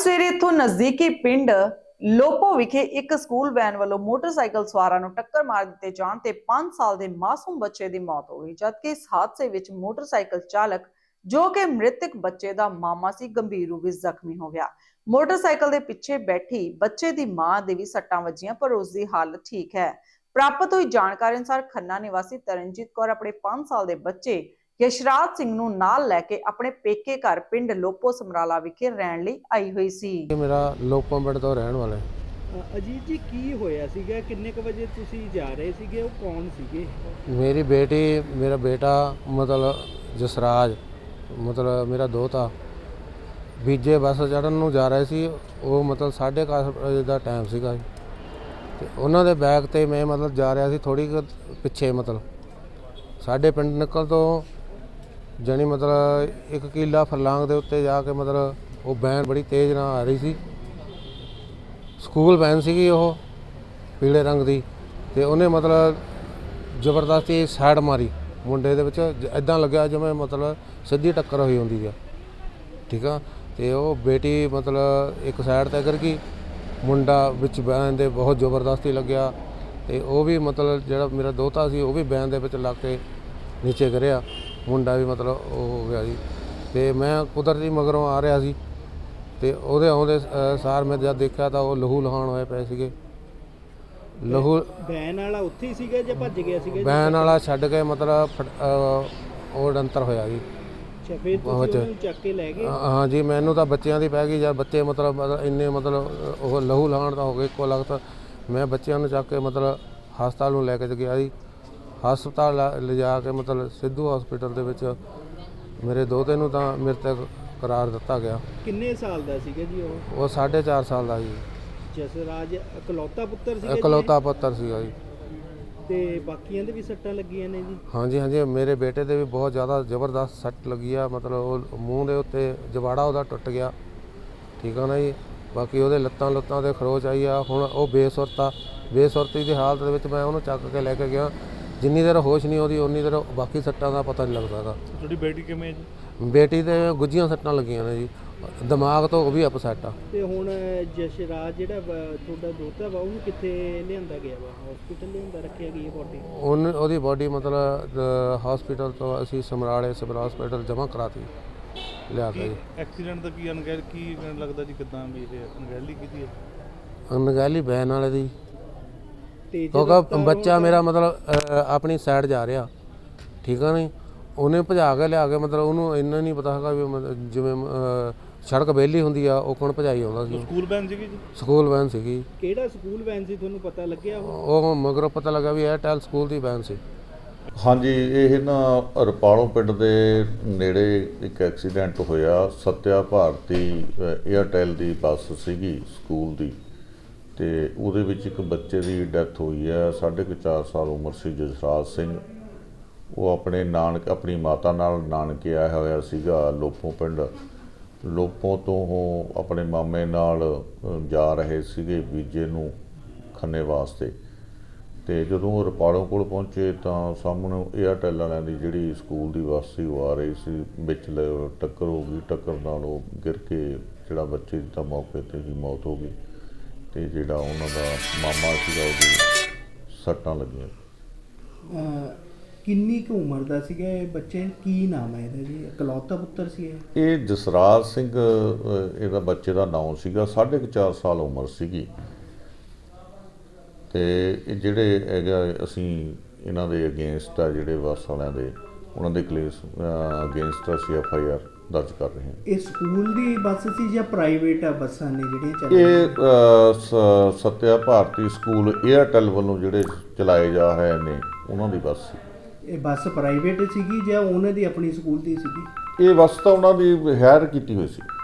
ਸਵੇਰੇ ਇੱਥੋਂ ਨਜ਼ਦੀਕੀ ਪਿੰਡ ਲੋਪੋ ਵਿਖੇ ਇੱਕ ਸਕੂਲ ਵੈਨ ਵੱਲੋਂ ਮੋਟਰਸਾਈਕਲ ਸਵਾਰਾਂ ਨੂੰ ਟੱਕਰ ਮਾਰ ਦਿੱਤੇ ਜਾਣ ਤੇ 5 ਸਾਲ ਦੇ ਮਾਸੂਮ ਬੱਚੇ ਦੀ ਮੌਤ ਹੋ ਗਈ, ਜਦਕਿ ਇਸ ਹਾਦਸੇ ਵਿੱਚ ਮੋਟਰਸਾਈਕਲ ਚਾਲਕ ਜੋ ਕਿ ਮ੍ਰਿਤਕ ਬੱਚੇ ਦਾ ਮਾਮਾ ਸੀ ਗੰਭੀਰ ਰੂਪ ਵਿੱਚ ਜ਼ਖਮੀ ਹੋ ਗਿਆ। ਮੋਟਰਸਾਈਕਲ ਦੇ ਪਿੱਛੇ ਬੈਠੀ ਬੱਚੇ ਦੀ ਮਾਂ ਦੇ ਵੀ ਸੱਟਾਂ ਵੱਜੀਆਂ, ਪਰ ਉਸ ਦੀ ਹਾਲਤ ਠੀਕ ਹੈ। ਪ੍ਰਾਪਤ ਹੋਈ ਜਾਣਕਾਰੀ ਅਨੁਸਾਰ ਖੰਨਾ ਨਿਵਾਸੀ ਤਰਨਜੀਤ ਕੌਰ ਆਪਣੇ 5 ਸਾਲ ਦੇ ਬੱਚੇ ਯਸ਼ਰਾਜ ਸਿੰਘ ਨੂੰ ਨਾਲ ਲੈ ਕੇ ਆਪਣੇ ਪੇਕੇ ਘਰ ਪਿੰਡ ਲੋਪੋ ਸਮਰਾਲਾ ਵਿਖੇ ਰਹਿਣ ਲਈ ਆਈ ਹੋਈ ਸੀ। मेरा लोपो पिंड तो रहने वाले। ਅਜੀਤ ਜੀ ਕੀ ਹੋਇਆ ਸੀਗਾ? ਕਿੰਨੇ ਕ ਵਜੇ ਤੁਸੀਂ ਜਾ ਰਹੇ ਸੀਗੇ? ਉਹ ਕੌਣ ਸੀਗੇ? मेरी बेटी मेरा बेटा मतलब जसराज मतलब मेरा दोता बीजे बस चढ़न ਨੂੰ ਜਾ ਰਹੇ ਸੀ। ਉਹ ਮਤਲਬ 10:30 ਵਜੇ ਦਾ ਟਾਈਮ ਸੀਗਾ ਤੇ ਉਹਨਾਂ ਦੇ ਬੈਗ ਤੇ ਮੈਂ ਮਤਲਬ ਜਾ ਰਿਹਾ ਸੀ ਥੋੜੀ ਪਿੱਛੇ ਮਤਲਬ ਸਾਡੇ ਪਿੰਡ ਨਿਕਲ ਤੋਂ ਜਾਨੀ ਮਤਲਬ 1 ਕਿਲਾ ਫਰਲਾਂਗ ਦੇ ਉੱਤੇ ਜਾ ਕੇ ਮਤਲਬ ਉਹ ਵੈਨ ਬੜੀ ਤੇਜ਼ ਨਾਲ ਆ ਰਹੀ ਸੀ। ਸਕੂਲ ਵੈਨ ਸੀਗੀ ਉਹ ਪੀਲੇ ਰੰਗ ਦੀ ਤੇ ਉਹਨੇ ਮਤਲਬ ਜ਼ਬਰਦਸਤੀ ਸਾਈਡ ਮਾਰੀ ਮੁੰਡੇ ਦੇ ਵਿੱਚ, ਇਦਾਂ ਲੱਗਿਆ ਜਿਵੇਂ ਮਤਲਬ ਸਿੱਧੀ ਟੱਕਰ ਹੋਈ ਹੁੰਦੀ ਆ, ਠੀਕ ਆ। ਤੇ ਉਹ ਬੇਟੀ ਮਤਲਬ ਇੱਕ ਸਾਈਡ ਤੇ ਕਰ ਗਈ, ਮੁੰਡਾ ਵਿੱਚ ਵੈਨ ਦੇ ਬਹੁਤ ਜ਼ਬਰਦਸਤੀ ਲੱਗਿਆ ਤੇ ਉਹ ਵੀ ਮਤਲਬ ਜਿਹੜਾ ਮੇਰਾ ਦੋਤਾ ਸੀ ਉਹ ਵੀ ਵੈਨ ਦੇ ਵਿੱਚ ਲੱਗ ਕੇ ਨੀਚੇ ਗਿਰਿਆ, ਮੁੰਡਾ ਵੀ ਮਤਲਬ ਉਹ ਹੋ ਗਿਆ ਜੀ। ਤੇ ਮੈਂ ਕੁਦਰਤੀ ਮਗਰੋਂ ਆ ਰਿਹਾ ਸੀ ਤੇ ਉਹਦੇ ਆਉਂਦੇ ਸਾਰ ਮੈਂ ਜਦ ਦੇਖਿਆ ਤਾਂ ਉਹ ਲਹੂ ਲਹਾਣ ਹੋਏ ਪਏ ਸੀਗੇ। ਲਹੂ ਵੈਨ ਵਾਲਾ ਉੱਥੇ ਹੀ ਸੀਗਾ ਜਾਂ ਭੱਜ ਗਿਆ ਸੀਗਾ? ਵੈਨ ਵਾਲਾ ਛੱਡ ਕੇ ਮਤਲਬ ਉਹ ਡੰਤਰ ਹੋਇਆ ਜੀ। ਅੱਛਾ, ਫਿਰ ਤੁਸੀਂ ਉਹਨੂੰ ਚੱਕ ਕੇ ਲੈ ਗਏ? ਹਾਂ ਜੀ, ਮੈਨੂੰ ਤਾਂ ਬੱਚਿਆਂ ਦੀ ਪੈ ਗਈ ਜਦ ਬੱਚੇ ਮਤਲਬ ਇੰਨੇ ਮਤਲਬ ਉਹ ਲਹੂ ਲਹਾਣ ਤਾਂ ਹੋ ਗਏ ਇੱਕੋ ਲਗਤ। ਮੈਂ ਬੱਚਿਆਂ ਨੂੰ ਚੱਕ ਕੇ ਮਤਲਬ ਹਸਪਤਾਲ ਨੂੰ ਲੈ ਕੇ ਗਿਆ ਜੀ। ਹਸਪਤਾਲ ਲਿਜਾ ਕੇ ਮਤਲਬ ਸਿੱਧੂ ਹਸਪੀਟਲ ਦੇ ਵਿੱਚ ਮੇਰੇ ਦੋਤੇ ਨੂੰ ਤਾਂ ਮ੍ਰਿਤਕ ਕਰਾਰ ਦਿੱਤਾ ਗਿਆ। ਕਿੰਨੇ ਸਾਲ ਦਾ ਸੀਗਾ ਜੀ ਉਹ? ਉਹ 4.5 ਸਾਲ ਦਾ ਜੀ। ਜਸਰਾਜ ਇਕਲੌਤਾ ਪੁੱਤਰ ਸੀਗਾ ਜੀ? ਇਕਲੌਤਾ ਪੁੱਤਰ ਸੀਗਾ ਜੀ। ਤੇ ਬਾਕੀਆਂ ਦੇ ਵੀ ਸੱਟਾਂ ਲੱਗੀਆਂ ਨੇ ਜੀ? ਹਾਂਜੀ ਹਾਂਜੀ, ਮੇਰੇ ਬੇਟੇ ਦੇ ਵੀ ਬਹੁਤ ਜ਼ਿਆਦਾ ਜ਼ਬਰਦਸਤ ਸੱਟ ਲੱਗੀ ਆ, ਮਤਲਬ ਉਹ ਮੂੰਹ ਦੇ ਉੱਤੇ ਜਵਾੜਾ ਉਹਦਾ ਟੁੱਟ ਗਿਆ, ਠੀਕ ਆ ਨਾ ਜੀ। ਬਾਕੀ ਉਹਦੇ ਲੱਤਾਂ ਤੇ ਖਰੋਚ ਆਈ ਆ। ਹੁਣ ਉਹ ਬੇਸੁਰਤੀ ਦੀ ਹਾਲਤ ਦੇ ਵਿੱਚ ਮੈਂ ਉਹਨੂੰ ਚੱਕ ਕੇ ਲੈ ਕੇ ਗਿਆ। ਜਿੰਨੀ ਦੇਰ ਹੋਸ਼ ਨਹੀਂ ਆਉਂਦੀ ਉਨੀ ਦੇਰ ਬਾਕੀ ਸੱਟਾਂ ਦਾ ਪਤਾ ਨਹੀਂ ਲੱਗਦਾ ਗਾ। ਤੁਹਾਡੀ ਬੇਟੀ ਕਿਵੇਂ ਜੀ? ਬੇਟੀ ਦੇ ਗੁੱਝੀਆਂ ਸੱਟਾਂ ਲੱਗੀਆਂ ਨੇ ਜੀ, ਦਿਮਾਗ ਤੋਂ ਉਹ ਵੀ ਅਪਸੈਟ ਆ। ਤੇ ਹੁਣ ਜਸ਼ਰਾਜ ਜਿਹੜਾ ਤੁਹਾਡਾ ਦੋਤਾ ਵਾ ਉਹਨੂੰ ਕਿੱਥੇ ਲਿਆਂਦਾ ਗਿਆ ਵਾ? ਹਸਪੀਟਲ ਲਿਆਂਦਾ ਰੱਖਿਆ ਗਈ ਬੋਡੀ? ਉਹਦੀ ਬੋਡੀ ਮਤਲਬ ਹਸਪੀਟਲ ਤੋਂ ਅਸੀਂ ਸਮਰਾਲੇ ਸਿਵਲ ਹਸਪੀਟਲ ਜਮ੍ਹਾਂ ਕਰਾਤੀ ਲਿਆ ਕੇ ਜੀ। ਐਕਸੀਡੈਂਟ ਦਾ ਕੀ ਲੱਗਦਾ ਜੀ? ਕਿੱਦਾਂ ਵੀ ਇਹ ਅਣਗਹਿਲੀ ਕੀਤੀ ਹੈ? ਅਣਗਹਿਲੀ ਵੈਨ ਵਾਲੇ ਦੀ, ਤੇ ਕਿਉਂਕਿ ਬੱਚਾ ਮੇਰਾ ਮਤਲਬ ਆਪਣੀ ਸਾਈਡ ਜਾ ਰਿਹਾ, ਠੀਕ ਆ ਨਹੀਂ। ਉਹਨੇ ਭਜਾ ਕੇ ਲਿਆ ਕੇ ਮਤਲਬ ਉਹਨੂੰ ਇੰਨਾ ਨਹੀਂ ਪਤਾ ਹੈਗਾ ਵੀ ਜਿਵੇਂ ਸੜਕ ਵਿਹਲੀ ਹੁੰਦੀ ਆ ਉਹ ਕੌਣ ਭਜਾਈ ਆਉਂਦਾ ਸੀ। ਸਕੂਲ ਵੈਨ ਸੀਗੀ ਜੀ? ਸਕੂਲ ਵੈਨ ਸੀਗੀ। ਕਿਹੜਾ ਸਕੂਲ ਵੈਨ ਸੀ ਤੁਹਾਨੂੰ ਪਤਾ ਲੱਗਿਆ? ਉਹ ਮਗਰੋਂ ਪਤਾ ਲੱਗਾ ਵੀ ਏਅਰਟੈਲ ਸਕੂਲ ਦੀ ਵੈਨ ਸੀ। ਹਾਂਜੀ, ਇਹ ਨਾ ਰਪਾਲੋਂ ਪਿੰਡ ਦੇ ਨੇੜੇ ਇੱਕ ਐਕਸੀਡੈਂਟ ਹੋਇਆ। ਸੱਤਿਆ ਭਾਰਤੀ ਏਅਰਟੈਲ ਦੀ ਬੱਸ ਸੀਗੀ ਸਕੂਲ ਦੀ ਤੇ ਉਹਦੇ ਵਿੱਚ ਇੱਕ ਬੱਚੇ ਦੀ ਡੈਥ ਹੋਈ ਹੈ। 4.5 ਸਾਲ ਉਮਰ ਸੀ ਜਸਰਾਜ ਸਿੰਘ। ਉਹ ਆਪਣੀ ਮਾਤਾ ਨਾਲ ਨਾਨਕੇ ਆਇਆ ਹੋਇਆ ਸੀਗਾ ਲੋਪੋ ਪਿੰਡ। ਲੋਪੋ ਤੋਂ ਉਹ ਆਪਣੇ ਮਾਮੇ ਨਾਲ ਜਾ ਰਹੇ ਸੀਗੇ ਬੀਜੇ ਨੂੰ ਖੰਨੇ ਵਾਸਤੇ। ਤੇ ਜਦੋਂ ਉਹ ਰਪਾਲੋਂ ਕੋਲ ਪਹੁੰਚੇ ਤਾਂ ਸਾਹਮਣੇ ਏਅਰਟੈਲ ਵਾਲਿਆਂ ਦੀ ਜਿਹੜੀ ਸਕੂਲ ਦੀ ਬੱਸ ਸੀ ਉਹ ਆ ਰਹੀ ਸੀ, ਵਿੱਚ ਟੱਕਰ ਹੋ ਗਈ। ਟੱਕਰ ਨਾਲ ਉਹ ਗਿਰ ਕੇ ਜਿਹੜਾ ਬੱਚੇ ਦੀ ਤਾਂ ਮੌਕੇ 'ਤੇ ਹੀ ਮੌਤ ਹੋ ਗਈ ਤੇ ਜਿਹੜਾ ਉਹਨਾਂ ਦਾ ਮਾਮਾ ਸੀਗਾ ਉਹਦੀ ਸੱਟਾਂ ਲੱਗੀਆਂ। ਕਿੰਨੀ ਕੁ ਉਮਰ ਦਾ ਸੀਗਾ ਇਹ ਬੱਚੇ? ਕੀ ਨਾਮ ਹੈ ਇਹਦਾ ਜੀ? ਇਕਲੌਤਾ ਪੁੱਤਰ ਸੀ ਇਹ? ਇਹ ਜਸਰਾਜ ਸਿੰਘ ਇਹਦਾ ਬੱਚੇ ਦਾ ਨਾਮ ਸੀਗਾ। 4.5 ਸਾਲ ਉਮਰ ਸੀਗੀ। ਤੇ ਇਹ ਜਿਹੜੇ ਹੈਗਾ ਅਸੀਂ ਇਹਨਾਂ ਦੇ ਅਗੇਂਸਟ ਆ ਜਿਹੜੇ ਬੱਸ ਵਾਲਿਆਂ ਦੇ ਉਹਨਾਂ ਦੇ ਕੇਸ ਅਗੇਂਸਟ ਅਸੀਂ FIR ਦਰਜ ਕਰ ਰਹੇ ਹਾਂ। ਇਹ ਸਕੂਲ ਦੀ ਬੱਸ ਸੀ ਜਾਂ ਪ੍ਰਾਈਵੇਟ ਬੱਸਾਂ ਨੇ ਜਿਹੜੀਆਂ ਚੱਲ ਇਹ ਸੱਤਿਆ ਭਾਰਤੀ ਸਕੂਲ ਏਅਰਟੈਲ ਵੱਲੋਂ ਜਿਹੜੇ ਚਲਾਏ ਜਾ ਰਹੇ ਨੇ ਉਹਨਾਂ ਦੀ ਬੱਸ ਸੀ। ਇਹ ਬੱਸ ਪ੍ਰਾਈਵੇਟ ਸੀਗੀ ਜਾਂ ਉਹਨਾਂ ਦੀ ਆਪਣੀ ਸਕੂਲ ਦੀ ਸੀਗੀ? ਇਹ ਬੱਸ ਤਾਂ ਉਹਨਾਂ ਦੀ ਹਾਇਰ ਕੀਤੀ ਹੋਈ ਸੀ।